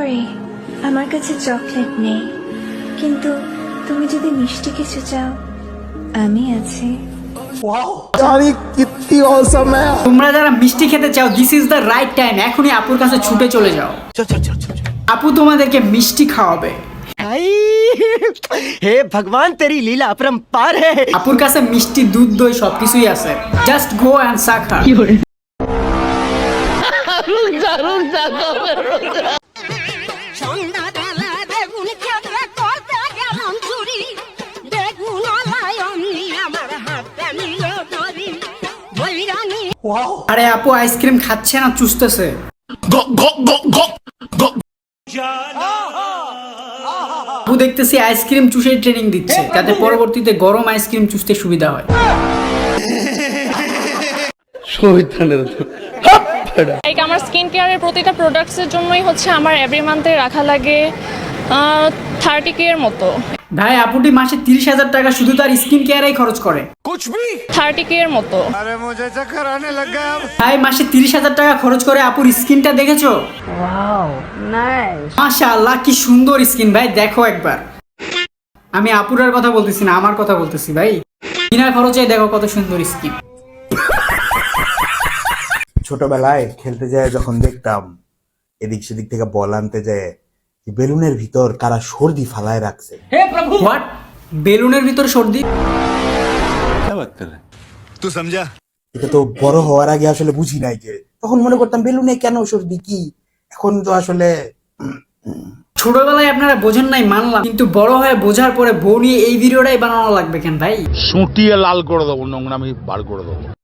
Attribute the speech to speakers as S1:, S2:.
S1: Sorry, আমার কাছে chocolate নেই, কিন্তু তুমি যদি মিষ্টি কিছু চাও আমি আছি।
S2: তোমরা যারা মিষ্টি খেতে চাও, this is the right time. এখনই আপুর কাছে ছুটে চলে যাও। আপু তোমাদেরকে মিষ্টি খাওয়াবে।
S3: हे भगवान तेरी लीला अपरंपार है।
S2: আপুর কাছে মিষ্টি, দুধ, দই সবকিছুই আছে। Just go and suck her. আরে আপু আইসক্রিম খাচ্ছে না, চুষতেছে। আপু দেখতেছি আইসক্রিম চুষে ট্রেনিং দিচ্ছে, যাতে পরবর্তীতে গরম আইসক্রিম চুষতে সুবিধা হয়।
S4: আমার স্কিন কেয়ারের প্রতিটা প্রোডাক্টসের জন্যই হচ্ছে আমার এভরি মান্থে রাখা লাগে 30K এর মতো।
S2: ভাই আপুটি মাসে 30,000 টাকা শুধু তার স্কিন কেয়ারেই খরচ করে।
S4: 30K এর মতো।
S2: ভাই মাসে 30,000 টাকা খরচ করে আপুর স্কিনটা দেখেছো? মাশাআল্লাহ, কি সুন্দর স্কিন ভাই, দেখো একবার। আমি আপুরার কথা বলতেছি না, আমার কথা বলতেছি ভাই। বিনা খরচে দেখো কত সুন্দর স্কিন।
S5: ছোটবেলায় খেলতে যায় যখন দেখতাম এদিক সেদিক থেকে বল আনতে যায়, বেলুনের ভিতর কারা সর্দি ফালায় রাখছে।
S2: হোয়াট? বেলুনের ভিতর সর্দি?
S6: तू समझा?
S5: এটা তো বড় হওয়ার আগে আসলে বুঝি নাই, যে তখন মনে করতাম বেলুনে কেন সর্দি কি, এখন তো আসলে
S2: ছোটবেলায় আপনারা বোঝেন নাই মানলাম, কিন্তু বড় হয়ে বোঝার পরে বউ নিয়ে এই ভিডিওটাই বানানো লাগবে কেন ভাই?
S7: সুটিয়ে লাল করে দেবো, নোংরামি বার করে দেবো।